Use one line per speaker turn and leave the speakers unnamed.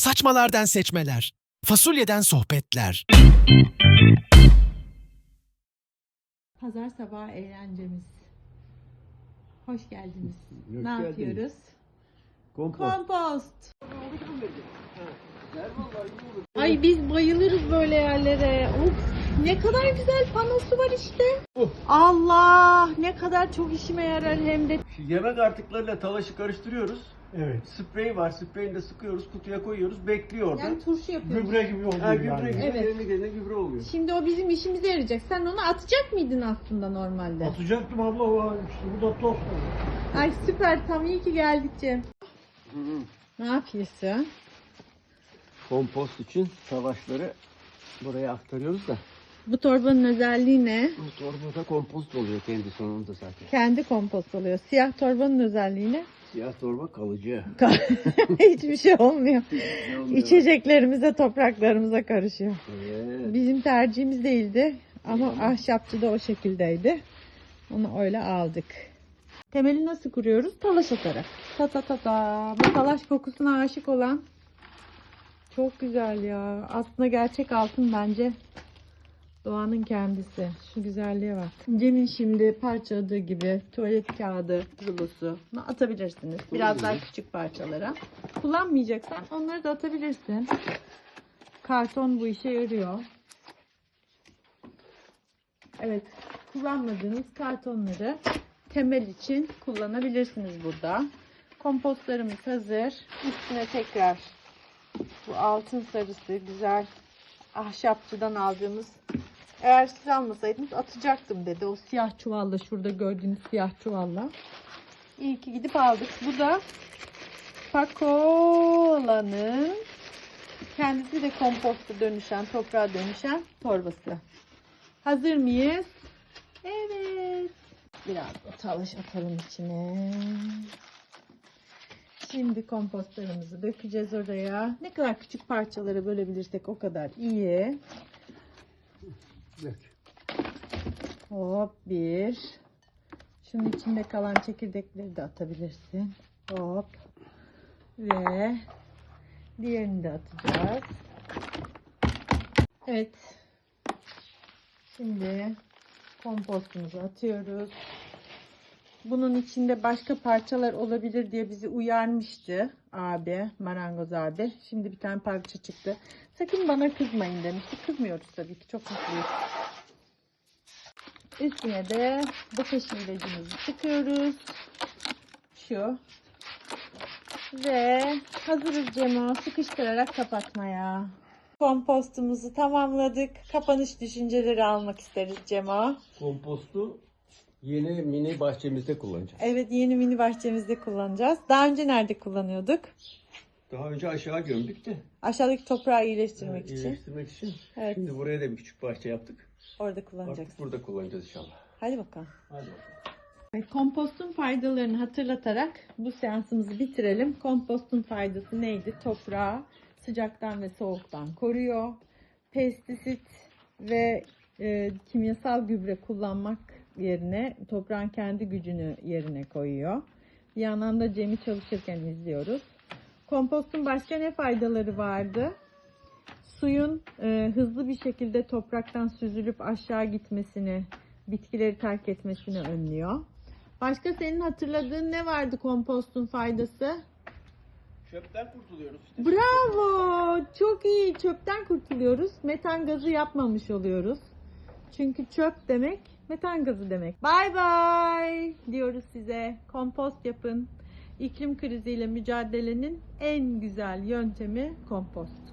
Saçmalardan seçmeler, fasulyeden sohbetler.
Pazar sabahı eğlencemiz. Hoş geldiniz.
Hoş
Ne
geldiniz.
yapıyoruz?
Kompost.
Kompost. Ay biz bayılırız böyle yerlere. Of, ne kadar güzel panosu var işte. Allah, ne kadar çok işime yarar hem de.
Şu yemek artıklarıyla talaşı karıştırıyoruz.
Evet.
Sprey var. Spreyini de sıkıyoruz. Kutuya koyuyoruz. Bekliyor orada.
Yani turşu yapıyoruz.
Gübre gibi oluyor
Ha, gübre
yani.
gibi.
Evet.
Yerine gelene gübre oluyor.
Şimdi o bizim işimize yarayacak. Sen onu atacak mıydın aslında normalde?
Atacaktım abla o işte bu da tost.
Ay süper, tam iyi ki geldik Cem. Ne yapıyorsun?
Kompost için savaşları buraya aktarıyoruz da.
Bu torbanın özelliği ne?
Bu torbada kompost oluyor kendi sonunda zaten.
Kendi kompost oluyor. Siyah torbanın özelliği ne?
Siyah torba kalıcı.
Hiçbir şey olmuyor.
olmuyor.
İçeceklerimize, topraklarımıza karışıyor.
Evet.
Bizim tercihimiz değildi ama ahşapçı da o şekildeydi. Onu öyle aldık. Temeli nasıl kuruyoruz? Talaş atarak. Ta ta ta ta. Bu talaş kokusuna aşık olan çok güzel ya. Aslında gerçek altın bence. Doğanın kendisi. Şu güzelliğe bak. Cem'in şimdi parçaladığı gibi tuvalet kağıdı, rulosu atabilirsiniz. Biraz daha küçük parçalara. Kullanmayacaksan onları da atabilirsin. Karton bu işe yarıyor. Evet, kullanmadığınız kartonları temel için kullanabilirsiniz burada. Kompostlarımız hazır. Üstüne tekrar bu altın sarısı güzel ahşapçıdan aldığımız, eğer siz almasaydınız atacaktım dedi. O siyah çuvalla, şurada gördüğünüz siyah çuvalla. İyi ki gidip aldık. Bu da Pakola'nın kendisi de komposta dönüşen, toprağa dönüşen torbası. Hazır mıyız? Evet. Biraz da talaş atalım içine. Şimdi kompostlarımızı dökeceğiz oraya. Ne kadar küçük parçalara bölebilirsek o kadar iyi.
Evet.
Hop bir. Şunun içinde kalan çekirdekleri de atabilirsin. Hop. Ve diğerini de atacağız. Evet. Şimdi kompostumuzu atıyoruz. Bunun içinde başka parçalar olabilir diye bizi uyarmıştı abi, marangoz abi. Şimdi bir tane parça çıktı. Sakın bana kızmayın demişti. Kızmıyoruz tabii ki. Çok mutluyuz. Üstüne de bu peşin ilacımızı sıkıyoruz. Şu. Ve hazırız Cemo. Sıkıştırarak kapatmaya. Kompostumuzu tamamladık. Kapanış düşünceleri almak isteriz Cemo.
Kompostu yeni mini bahçemizde kullanacağız.
Evet, yeni mini bahçemizde kullanacağız. Daha önce nerede kullanıyorduk?
Daha önce aşağı gömdük de.
Aşağıdaki toprağı iyileştirmek için.
İyileştirmek için.
Evet.
Şimdi buraya da bir küçük bahçe yaptık.
Orada kullanacaksın.
Artık burada kullanacağız inşallah.
Hadi bakalım.
Hadi bakalım.
Evet, kompostun faydalarını hatırlatarak bu seansımızı bitirelim. Kompostun faydası neydi? Toprağı sıcaktan ve soğuktan koruyor. Pestisit ve kimyasal gübre kullanmak yerine toprağın kendi gücünü yerine koyuyor. Bir yandan da Cem'i çalışırken izliyoruz. Kompostun başka ne faydaları vardı? Suyun hızlı bir şekilde topraktan süzülüp aşağı gitmesini, bitkileri terk etmesini önlüyor. Başka senin hatırladığın ne vardı kompostun faydası?
Çöpten kurtuluyoruz işte.
Bravo! Çok iyi. Çöpten kurtuluyoruz. Metan gazı yapmamış oluyoruz. Çünkü çöp demek metan gazı demek. Bye bye diyoruz size. Kompost yapın. İklim kriziyle mücadelenin en güzel yöntemi kompost.